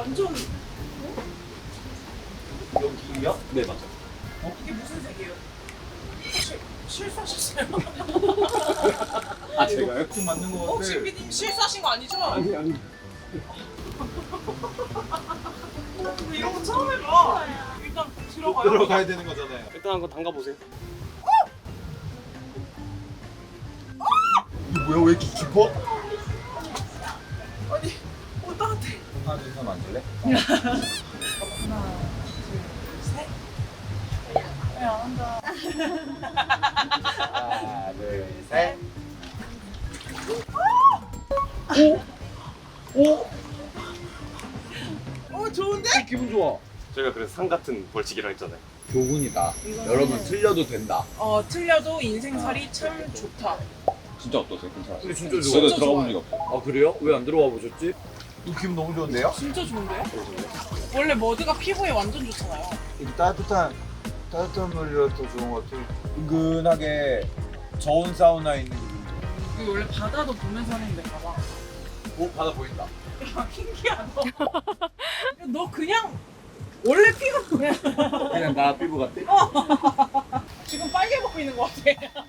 완전 여기요? 네 맞아요. 이게 무슨 색이에요? 실수하셨어요? 아 제가요? 좀 맞는 거 같아. 혹시 피디님 실수하신 거 아니죠? 아니. 근데 이런 거 처음 해봐. 일단 들어가요. 들어가야 되는 거잖아요. 일단 한번 담가 보세요. 이거 뭐야? 왜 이렇게 깊어? 아니, 따뜻해. 하나 둘 셋 만질래? 하나, 둘, 셋. 왜 안 한다? 하나 둘 셋. 좋은데? 기분 좋아. 저희가 그래서 상 같은 벌칙이라 했잖아요. 교훈이다. 여러분 틀려도 된다. 틀려도 인생살이 참 좋다. 진짜 어떠세요? 괜찮아요? 근데 진짜 좋아. 저도 진짜 들어가 본 좋아요. 적이 없어요. 아 그래요? 왜 안 들어와 보셨지? 이 기분 너무 좋은데요? 진짜 좋은데? 원래 머드가 피부에 완전 좋잖아요. 이 따뜻한 물이라 더 좋은 것 같아. 은근하게 저온 사우나에 있는 기분. 여기 원래 바다도 보면서 하는데 봐봐. 오 바다 보인다. 야, 킹키야 너. 너 그냥 원래 피가 그래. 그냥 나 피부 같아? 지금 빨개 보이는 것 같아.